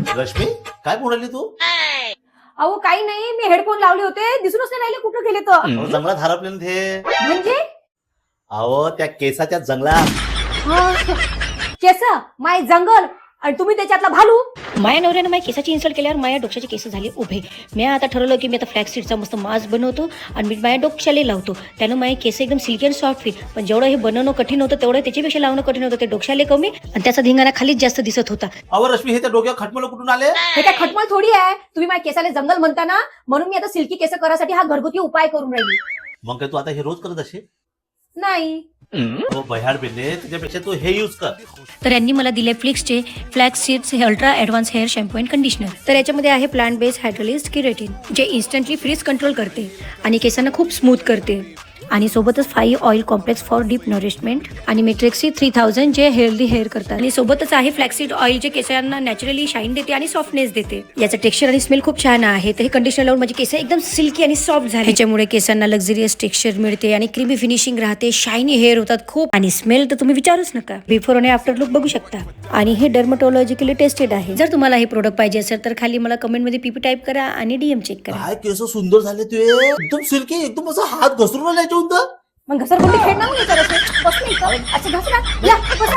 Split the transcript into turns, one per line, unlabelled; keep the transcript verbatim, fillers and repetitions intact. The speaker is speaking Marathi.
रश्मी काय बोलली तू?
अहो काही नाही, मी हेडफोन लावले होते, दिसूनच नाही राहिले कुठं गेले तर.
अहो, जंगलात हरपले ना ते.
म्हणजे
अहो त्या केसाच्या जंगलात.
केस माय जंगल आणि तुम्ही त्याच्यातला भालू.
माया नवऱ्यानं माझ्या केसाची इन्सल्ट केल्यावर माझ्या डोक्याचे केस झाले उभे. मी आता ठरवलं की मी आता फ्लॅक्स सीडचा मस्त मास्क बनवतो आणि मी माझ्या डोक्याला लावतो. त्यानं माझे केस एकदम सिल्की अँड सॉफ्ट फील. पण जेवढं हे बनवणं कठीण होतं तेवढं त्याच्यापेक्षा लावणं कठीण होतं. ते डोक्याला कमी आणि त्याचा धिंगाणा खालीच जास्त दिसत होता.
अहो रश्मी हे त्या डोक्यावर खटमल कुठून आले?
हे काय खटमल थोडी आहे. तुम्ही माझ्या केसाला जंगल म्हणता ना, म्हणून मी आता सिल्की केस करासाठी हा घरगुती उपाय करून राहिली.
मग काय तू आता हे रोज करत असे?
नाही
हो बह्याड बेले, तुझ्यापेक्षा तू हे यूज कर.
तर यांनी मला दिले फ्लिक्सचे फ्लॅक्स सीड्स हे ultra advance hair shampoo and conditioner. तर याच्यामध्ये आहे प्लांट बेस्ड हायड्रोलिस्ट किरेटिन, जे इन्स्टंटली फ्रीज कंट्रोल करते आणि केसांना खूप स्मूथ करते. आणि सोबतच five oil complex for deep nourishment आणि मेट्रिक्सी थ्री थाउजंड जे हेल्दी हेअर करतात. आणि सोबतच आहे फ्लॅक्सीड ऑइल जे केसांना नॅचरली शाईन देते आणि सॉफ्टनेस देते. याचं टेक्स्चर आणि स्मेल खूप छान आहे. तर हे कंडिशनर लावून माझे केस एकदम सिल्की आणि सॉफ्ट झाले. ह्याच्यामुळे केसांना लक्झरियस टेक्स्चर मिळते आणि क्रीमी फिनिशिंग राहते. शायनी हेअर होतात खूप. आणि स्मेल तर तुम्ही विचारूच नका. बिफोर आणि आफ्टर लुक बघू शकता. आणि हे डर्मटोलॉजिकली टेस्टेड आहे. जर तुम्हाला हे प्रोडक्ट पाहिजे असेल तर खाली मला कमेंटमध्ये पीपी टाईप करा आणि डीएम चेक करा.
काय केस सुंदर झाले तुझे, एकदम सिल्की, एकदम असं हात घसरून आला याच्यावर.
मग घसरगुंडी खेळणार नाही. बस नाही का? अच्छा घसरा या बसा.